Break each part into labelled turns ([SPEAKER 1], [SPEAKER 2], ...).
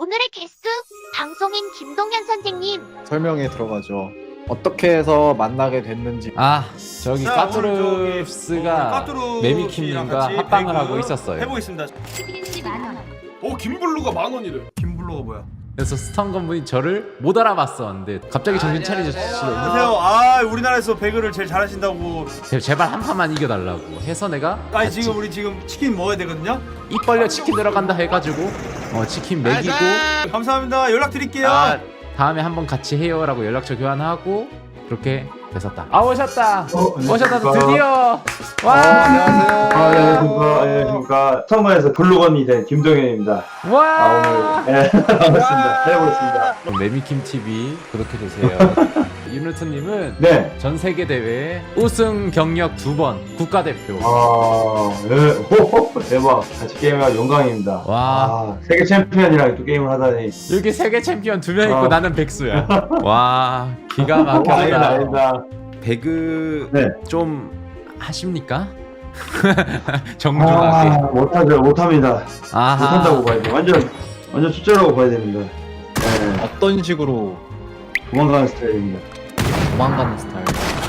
[SPEAKER 1] 오늘의 게스트 방송인 김동현 선생님.
[SPEAKER 2] 설명에 들어가죠. 어떻게 해서 만나게 됐는지.
[SPEAKER 3] 아 저기
[SPEAKER 4] 자,
[SPEAKER 3] 까투르스가
[SPEAKER 4] 까투르
[SPEAKER 3] 메미킴님과
[SPEAKER 4] 같이
[SPEAKER 3] 합방을
[SPEAKER 4] 배그
[SPEAKER 3] 하고 있었어요.
[SPEAKER 4] 해보겠습니다.
[SPEAKER 1] TVC 만원.
[SPEAKER 4] 오 김블루가 10,000원이래. 김블루가 뭐야?
[SPEAKER 3] 그래서 스턴건 분이 저를 못 알아봤었는데 갑자기 정신 차리시더니
[SPEAKER 4] 안녕하세요. 아 우리나라에서 배그를 제일 잘하신다고.
[SPEAKER 3] 제발 한 판만 이겨달라고 해서 내가
[SPEAKER 4] 아니 지금 우리 지금 치킨 먹어야 되거든요.
[SPEAKER 3] 입 벌려 치킨 들어간다 해가지고 치킨 먹이고
[SPEAKER 4] 감사합니다. 연락드릴게요.
[SPEAKER 3] 다음에 한번 같이 해요라고 연락처 교환하고 그렇게 됐었다. 아 오셨다. 오셨다 드디어. 와.
[SPEAKER 5] 안녕하세요. 안녕하십니까. 성관에서 블로건이 된 김동현입니다.
[SPEAKER 3] 와.
[SPEAKER 5] 오늘 반갑습니다. 해보겠습니다.
[SPEAKER 3] 메미킴 TV 구독해 주세요. 유누트님은
[SPEAKER 5] 네.
[SPEAKER 3] 전 세계 대회 우승 경력 2번 국가대표.
[SPEAKER 5] 네. 호호, 대박. 같이 게임할 영광입니다.
[SPEAKER 3] 와.
[SPEAKER 5] 세계 챔피언이랑 또 게임을 하다니.
[SPEAKER 3] 여기 세계 챔피언 2명 있고 나는 백수야. 와 기가 막혀다.
[SPEAKER 5] 아니다.
[SPEAKER 3] 배그
[SPEAKER 5] 네.
[SPEAKER 3] 좀 하십니까? 정중하게.
[SPEAKER 5] 못하죠. 못합니다.
[SPEAKER 3] 아하.
[SPEAKER 5] 못한다고 봐야 돼. 완전 숫자라고 봐야 됩니다. 네.
[SPEAKER 2] 어떤 식으로
[SPEAKER 5] 도망가는 스타일입니다.
[SPEAKER 2] 도망가는 스타일.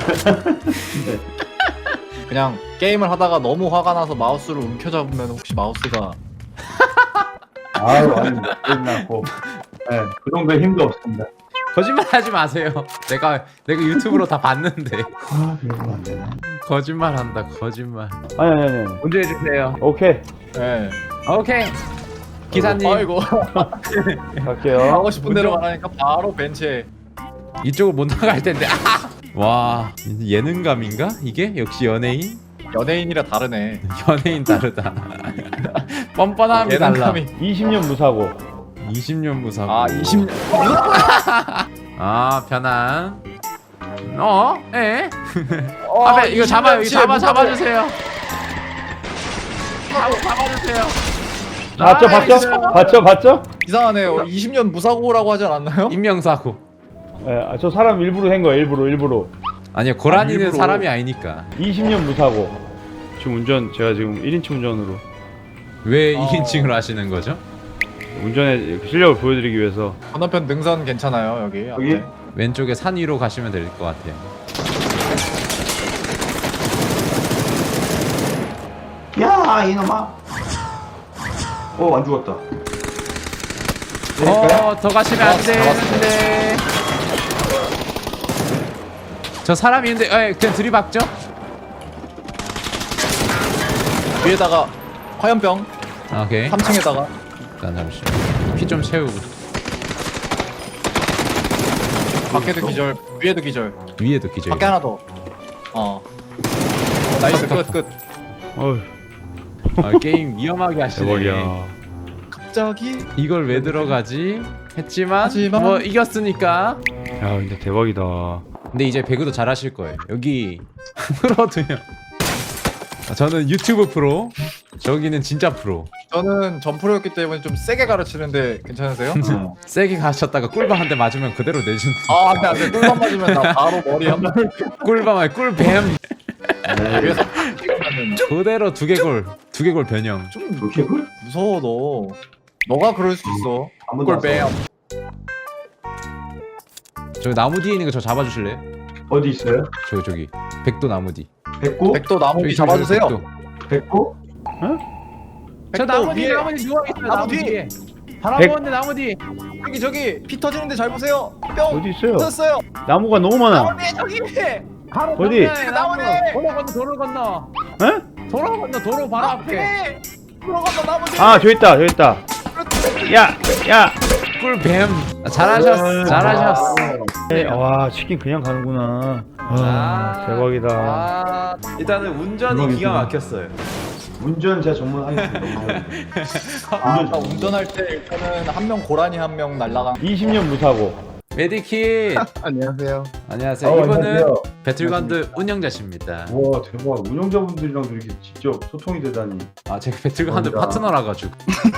[SPEAKER 2] 그냥 게임을 하다가 너무 화가 나서 마우스를 움켜잡으면 혹시 마우스가
[SPEAKER 5] 아유, 아닙니다. 끝났고. 네. 그 정도의 힘도 없습니다.
[SPEAKER 3] 거짓말하지 마세요. 내가 유튜브로 다 봤는데.
[SPEAKER 5] 그러면 안 되나?
[SPEAKER 3] 거짓말한다 거짓말.
[SPEAKER 5] 아니.
[SPEAKER 3] 문제 해주세요.
[SPEAKER 5] 오케이.
[SPEAKER 2] 네.
[SPEAKER 3] 오케이. 기사님
[SPEAKER 2] 아이고
[SPEAKER 5] 갈게요.
[SPEAKER 2] 하고 싶은 대로 말하니까 바로 벤치에.
[SPEAKER 3] 이쪽을 못 나갈 텐데. 아! 와 예능감인가 이게? 역시 연예인?
[SPEAKER 2] 연예인이라 다르네.
[SPEAKER 3] 연예인 다르다. 뻔뻔함이 달라.
[SPEAKER 2] 예능감이.
[SPEAKER 5] 20년 무사고.
[SPEAKER 3] 20년 무사고.
[SPEAKER 2] 아 20년.
[SPEAKER 3] 아 편안. 에? 앞에 이거 잡아요. 이거 잡아주세요. 잡아주세요.
[SPEAKER 5] 봤죠?
[SPEAKER 2] 이상하네요. 20년 무사고라고 하지 않았나요?
[SPEAKER 3] 인명사고.
[SPEAKER 6] 예, 저 사람 일부러 한 거야, 일부러.
[SPEAKER 3] 아니요 고라니는
[SPEAKER 6] 일부러.
[SPEAKER 3] 사람이 아니니까.
[SPEAKER 6] 20년 무사고. 지금 제가 지금 1인칭 운전으로
[SPEAKER 3] 왜 2인칭으로 하시는 거죠?
[SPEAKER 6] 운전의 실력을 보여드리기 위해서.
[SPEAKER 2] 건너편 능선 괜찮아요 여기.
[SPEAKER 5] 여기?
[SPEAKER 2] 앞에.
[SPEAKER 3] 왼쪽에 산 위로 가시면 될 것 같아요.
[SPEAKER 5] 야, 이놈아. 안 죽었다.
[SPEAKER 3] 더 가시면 안 되는데. 저 사람이 있는데, 그냥 들이박죠?
[SPEAKER 2] 위에다가 화염병
[SPEAKER 3] 오케이.
[SPEAKER 2] 3층에다가.
[SPEAKER 3] 일단 잠시만. 피 좀 채우고.
[SPEAKER 2] 밖에도 기절, 위에도 기절.
[SPEAKER 3] 위에도 기절.
[SPEAKER 2] 밖에 하나 더. 나이스 끝.
[SPEAKER 6] 어휴,
[SPEAKER 3] 게임 위험하게 하시네.
[SPEAKER 6] 대박이야.
[SPEAKER 2] 갑자기
[SPEAKER 3] 이걸 왜 들어가지? 했지만
[SPEAKER 2] 하지만-
[SPEAKER 3] 뭐 이겼으니까.
[SPEAKER 6] 야, 근데 대박이다.
[SPEAKER 3] 근데 이제 배그도 잘하실 거예요. 여기 프로 2명. 저는 유튜브 프로. 저기는 진짜 프로.
[SPEAKER 2] 저는 점프로였기 때문에 좀 세게 가르치는데 괜찮으세요?
[SPEAKER 3] 세게 가셨다가 꿀밤 한 대 맞으면 그대로 내준.
[SPEAKER 2] 아 안돼 꿀밤 맞으면 나 바로 머리 한번
[SPEAKER 3] 꿀밤 아니 꿀뱀.
[SPEAKER 2] 위에서
[SPEAKER 3] 그대로 두개골 변형.
[SPEAKER 2] 좀
[SPEAKER 5] 이렇게 굴?
[SPEAKER 2] 무서워 너가 그럴 수 있어. 꿀뱀.
[SPEAKER 3] 저기 나무 뒤에 있는 거 저 잡아주실래요?
[SPEAKER 5] 어디 있어요?
[SPEAKER 3] 저기 백도 나무 뒤.
[SPEAKER 5] 백구?
[SPEAKER 2] 백도 나무
[SPEAKER 3] 저기
[SPEAKER 2] 뒤 잡아주세요.
[SPEAKER 3] 백도.
[SPEAKER 5] 백구?
[SPEAKER 3] 저
[SPEAKER 2] 백도
[SPEAKER 3] 나무 뒤
[SPEAKER 2] 위에.
[SPEAKER 3] 나무 뒤 누워 있어요.
[SPEAKER 2] 나무
[SPEAKER 3] 나무
[SPEAKER 2] 뒤.
[SPEAKER 3] 뒤에. 바람
[SPEAKER 6] 백-
[SPEAKER 3] 부는데 나무 뒤.
[SPEAKER 2] 저기 피 터지는데 잘 보세요. 뿅
[SPEAKER 6] 어디 있어요?
[SPEAKER 2] 터졌어요.
[SPEAKER 6] 나무가 너무 많아.
[SPEAKER 2] 나무 뒤에 저기.
[SPEAKER 3] 바로
[SPEAKER 6] 어디?
[SPEAKER 3] 정면에
[SPEAKER 2] 나무 뒤.
[SPEAKER 3] 도로 건너.
[SPEAKER 6] 에?
[SPEAKER 3] 도로 바로 앞에.
[SPEAKER 2] 들어간다 나무 뒤에.
[SPEAKER 6] 아, 저 있다. 야.
[SPEAKER 3] 꿀뱀. 잘하셨어.
[SPEAKER 6] 와, 치킨 그냥 가는구나. 와, 대박이다.
[SPEAKER 3] 일단은 운전이 기가 막혔어요.
[SPEAKER 5] 운전 제가 전문하겠습니다.
[SPEAKER 2] 운전할 때 일단은 한 명 고라니 한 명 날라가.
[SPEAKER 6] 20년 무사고.
[SPEAKER 3] 메디킷.
[SPEAKER 2] 안녕하세요.
[SPEAKER 3] 안녕하세요. 이분은
[SPEAKER 5] 안녕하세요.
[SPEAKER 3] 배틀그라운드 운영자십니다.
[SPEAKER 5] 와, 대박. 운영자분들이랑도 이렇게 직접 소통이 되다니.
[SPEAKER 3] 제가 배틀그라운드
[SPEAKER 5] 감사합니다.
[SPEAKER 3] 파트너라 가지고.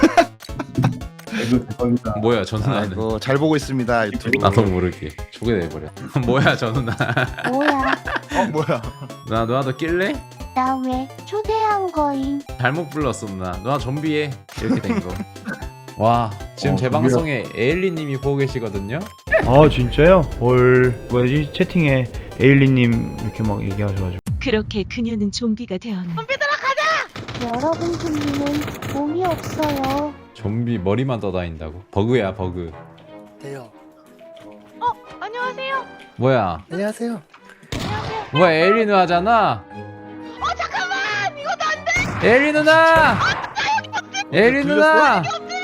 [SPEAKER 5] 이거 대박이다.
[SPEAKER 3] 뭐야 저 누나는?
[SPEAKER 7] 아이고 잘 보고 있습니다 유튜브.
[SPEAKER 3] 나도 모르게 초대돼버려. 뭐야 저 누나?
[SPEAKER 1] 뭐야?
[SPEAKER 7] 뭐야?
[SPEAKER 3] 누나도 낄래?
[SPEAKER 1] 나 왜 초대한 거임?
[SPEAKER 3] 잘못 불렀어 누나. 누나 좀비해 이렇게 된 거. 와 지금 제 방송에 에일리님이 보고 계시거든요.
[SPEAKER 6] 아 진짜요? 헐 뭐지 채팅에 에일리님 이렇게 막 얘기하셔가지고
[SPEAKER 8] 그렇게 그녀는 좀비가 되었는데
[SPEAKER 1] 여러분 좀비는 몸이 없어요.
[SPEAKER 3] 좀비 머리만 떠다닌다고? 버그야 버그.
[SPEAKER 9] 돼요.
[SPEAKER 8] 안녕하세요.
[SPEAKER 3] 뭐야?
[SPEAKER 9] 안녕하세요.
[SPEAKER 3] 뭐야 에일리 누나잖아.
[SPEAKER 8] 잠깐만 이것도 안 돼.
[SPEAKER 3] 에일리 누나. 에일리 누나.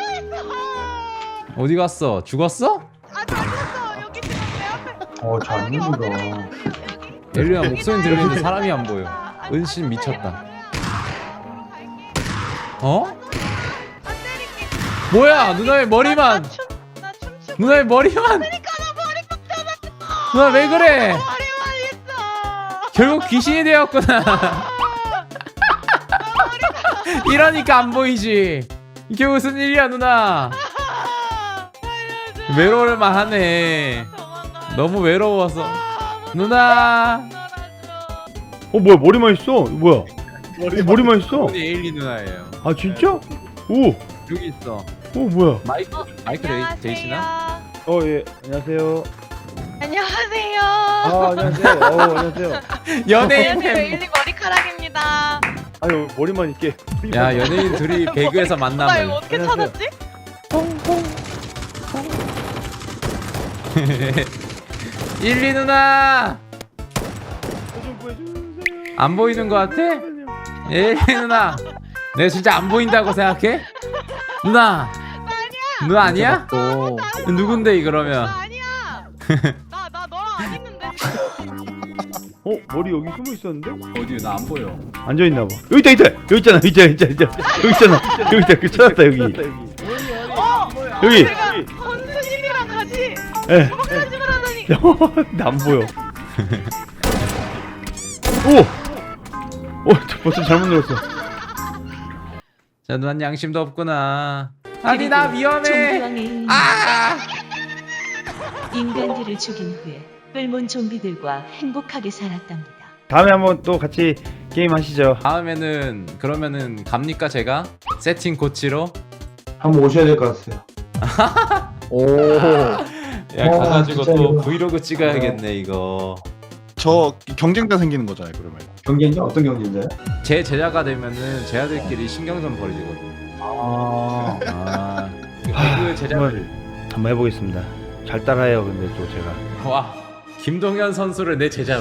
[SPEAKER 3] 어디 갔어? 죽었어?
[SPEAKER 8] 아 여기 지금 내 앞에.
[SPEAKER 5] 잘 믿는다.
[SPEAKER 3] 에일리 누나 목소리 들리는데 사람이 안 보여. 은신 미쳤다. 어? 뭐야 누나의 머리만.
[SPEAKER 8] 나 춤추고
[SPEAKER 3] 누나의 머리만. 누나 왜 그래?
[SPEAKER 8] 머리만 있어.
[SPEAKER 3] 결국 귀신이 되었구나. 이러니까 안 보이지. 이게 무슨 일이야 누나. 외로울만 하네. 너무 외로워서. 누나.
[SPEAKER 6] 뭐야 머리만 있어? 뭐야? 머리만 있어?
[SPEAKER 3] 우리 에일리 누나예요.
[SPEAKER 6] 아 진짜? 오!
[SPEAKER 3] 여기 있어.
[SPEAKER 6] 오 뭐야?
[SPEAKER 3] 마이크 되시나?
[SPEAKER 6] 예 안녕하세요.
[SPEAKER 8] 안녕하세요.
[SPEAKER 6] 안녕하세요. 안녕하세요.
[SPEAKER 3] 연예인
[SPEAKER 8] 안녕하세요.
[SPEAKER 3] 팬.
[SPEAKER 8] 일리 머리카락입니다.
[SPEAKER 6] 아유 머리만 있게.
[SPEAKER 3] 야 연예인 둘이 배그에서
[SPEAKER 8] 나 이거
[SPEAKER 3] 만남을.
[SPEAKER 8] 어떻게
[SPEAKER 6] 안녕하세요.
[SPEAKER 8] 찾았지?
[SPEAKER 1] 뽕뽕.
[SPEAKER 3] 1, 2 누나. 안 보이는 것 같아? 1, 2 누나. 내가 진짜 안 보인다고 생각해? 누나. 누나 아니야?
[SPEAKER 2] 또
[SPEAKER 3] 누군데 이 그러면?
[SPEAKER 8] 나 아니야. 나 너랑 안 있는데.
[SPEAKER 6] 머리 여기 숨어 있었는데?
[SPEAKER 2] 어디 나 안 보여.
[SPEAKER 6] 앉아 있나 봐. 여기 있다. 여기 있잖아. 여기 있잖아. 여기 있다. 그 찾았다 여기. 여기.
[SPEAKER 8] 내가 선수님이랑 같이
[SPEAKER 6] 예.
[SPEAKER 8] 편집을 하다니.
[SPEAKER 6] 나 안 보여. 저 버튼 잘못 눌렀어.
[SPEAKER 3] 자 누난 양심도 없구나. 아니 나 위험해.
[SPEAKER 8] 좀비왕의 인간들을 죽인 후에 뿔몬 좀비들과 행복하게 살았답니다.
[SPEAKER 6] 다음에 한번 또 같이 게임 하시죠.
[SPEAKER 3] 다음에는 그러면은 갑니까 제가? 세팅 고치러?
[SPEAKER 5] 한번 오셔야 될 것 같아요.
[SPEAKER 2] 오.
[SPEAKER 3] 야
[SPEAKER 5] 와,
[SPEAKER 3] 가가지고
[SPEAKER 5] 진짜
[SPEAKER 3] 또
[SPEAKER 5] 이거.
[SPEAKER 3] 브이로그 찍어야겠네 이거.
[SPEAKER 7] 저 경쟁자 생기는 거잖아요 그러면.
[SPEAKER 5] 경기인가? 어떤 경기인가요?
[SPEAKER 3] 제 제자가 되면은 제자들끼리 신경전 벌이거든. 아 그 제자들.
[SPEAKER 6] 한번 해보겠습니다. 잘 따라해요. 근데 또 제가.
[SPEAKER 3] 와 김동현 선수를 내 제자로.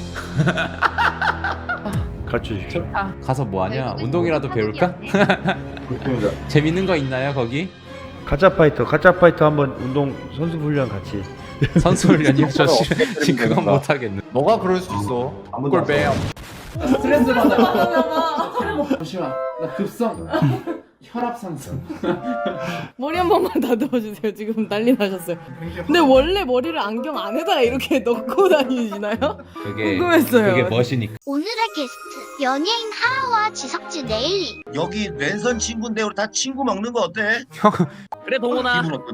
[SPEAKER 6] 가르쳐 주십시오.
[SPEAKER 3] 좋다. 가서 뭐 하냐? 운동이라도 배울까?
[SPEAKER 5] 좋습니다.
[SPEAKER 3] 재밌는 거 있나요 거기?
[SPEAKER 6] 가짜 파이터 한번 운동 선수 훈련 같이.
[SPEAKER 3] 선수 훈련이요? 저 지금 그건 못 하겠네.
[SPEAKER 2] 너가 그럴 수 있어.
[SPEAKER 5] 아무도
[SPEAKER 2] 그걸
[SPEAKER 5] 안
[SPEAKER 2] 빼요.
[SPEAKER 3] 스트레스 받아. 잠시만. 나 급성 혈압 상승.
[SPEAKER 10] 머리 한 번만 다듬어주세요. 지금 난리 나셨어요. 근데 원래 머리를 안경 안에다가 이렇게 넣고 다니시나요?
[SPEAKER 3] 그게
[SPEAKER 10] 궁금했어요.
[SPEAKER 3] 그게 멋이니까.
[SPEAKER 1] 오늘의 게스트 연예인 하하와 지석진 에일리.
[SPEAKER 9] 여기 랜선 친구인데 우리 다 친구 먹는 거 어때?
[SPEAKER 11] 그래 동훈아.
[SPEAKER 9] 기분 어때?